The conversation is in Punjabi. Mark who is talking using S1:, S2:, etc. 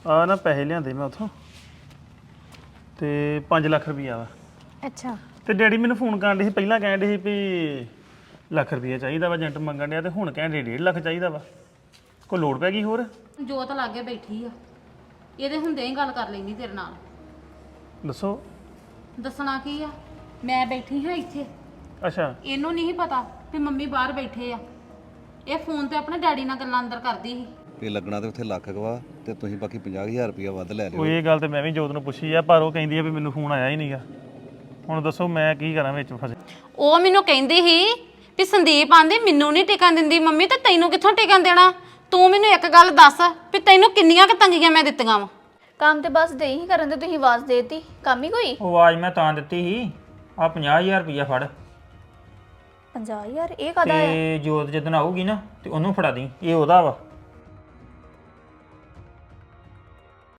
S1: ਆ ਨਾ ਪੈਸੇ ਲਿਆਂਦੇ ਮੈਂ ਉਥੋਂ ਤੇ 5 ਲੱਖ ਰੁਪਈਆ ਵਾ।
S2: ਅੱਛਾ
S1: ਤੇ ਡੈਡੀ ਮੈਨੂੰ ਫੋਨ ਕਰਨ ਡੇ ਸੀ, ਪਹਿਲਾਂ ਕਹਿਣ ਡੇ ਸੀ ਵੀ ਲੱਖ ਰੁਪਈਆ ਚਾਹੀਦਾ ਵਾ, ਏਜੰਟ ਮੰਗਣ ਡਿਆ, ਤੇ ਹੁਣ ਕਹਿਣ ਡੇ 1.5 ਲੱਖ ਚਾਹੀਦਾ ਵਾ। ਕੋਈ ਲੋੜ ਪੈ ਗਈ ਹੋਰ?
S3: ਜੋਤ ਲਾਗੇ ਬੈਠੀ ਆ, ਇਹਦੇ ਹੁੰਦੇ ਹੀ ਗੱਲ ਕਰ ਲੈਣੀ ਤੇਰੇ ਨਾਲ।
S1: ਦੱਸੋ।
S3: ਦੱਸਣਾ ਕੀ ਆ, ਮੈਂ ਬੈਠੀ ਹਾਂ ਇੱਥੇ,
S1: ਅੱਛਾ
S3: ਇਹਨੂੰ ਨਹੀਂ ਪਤਾ ਵੀ ਮੰਮੀ ਬਾਹਰ ਬੈਠੇ ਆ। ਇਹ ਫੋਨ ਤੇ ਆਪਣੇ ਡੈਡੀ ਨਾਲ ਗੱਲਾਂ ਅੰਦਰ ਕਰਦੀ ਸੀ।
S4: ਇਹ ਲੱਗਣਾ ਤੇ ਉੱਥੇ ਲੱਖ ਗਵਾ ਤੇ ਤੁਸੀਂ ਬਾਕੀ 50,000 ਰੁਪਇਆ ਵੱਧ ਲੈ ਲਿਓ।
S1: ਉਹ ਇਹ ਗੱਲ ਤੇ ਮੈਂ ਵੀ ਜੋਤ ਨੂੰ ਪੁੱਛੀ ਆ, ਪਰ ਉਹ ਕਹਿੰਦੀ ਆ ਵੀ ਮੈਨੂੰ ਫੋਨ ਆਇਆ ਹੀ ਨਹੀਂਗਾ। ਹੁਣ ਦੱਸੋ ਮੈਂ ਕੀ ਕਰਾਂ ਵਿੱਚ ਫਸੇ।
S3: ਉਹ ਮੈਨੂੰ ਕਹਿੰਦੀ ਸੀ ਵੀ ਸੰਦੀਪ ਆਂਦੀ ਮੈਨੂੰ ਨਹੀਂ ਟਿਕਣ ਦਿੰਦੀ ਮੰਮੀ, ਤੇ ਤੈਨੂੰ ਕਿੱਥੋਂ ਟਿਕਣ ਦੇਣਾ? ਤੂੰ ਮੈਨੂੰ ਇੱਕ ਗੱਲ ਦੱਸ ਵੀ ਤੈਨੂੰ ਕਿੰਨੀਆਂ ਕੁ ਤੰਗੀਆਂ ਮੈਂ ਦਿੱਤੀਆਂ ਵਾ?
S2: ਕੰਮ ਤੇ ਬਸ ਦੇ ਹੀ ਕਰਨ ਤੇ ਤੁਸੀਂ ਆਵਾਜ਼ ਦੇਤੀ, ਕੰਮ ਹੀ ਕੋਈ?
S5: ਉਹ ਆਵਾਜ਼ ਮੈਂ ਤਾਂ ਦਿੱਤੀ ਸੀ, ਆ 50,000 ਰੁਪਇਆ ਫੜ
S2: 50,000 ਇਹ ਕਾਹਦਾ ਆ?
S5: ਤੇ ਜੋਤ ਜਦੋਂ ਆਊਗੀ ਨਾ ਤੇ ਉਹਨੂੰ ਫੜਾ ਦੀ, ਇਹ ਉਹਦਾ ਵਾ।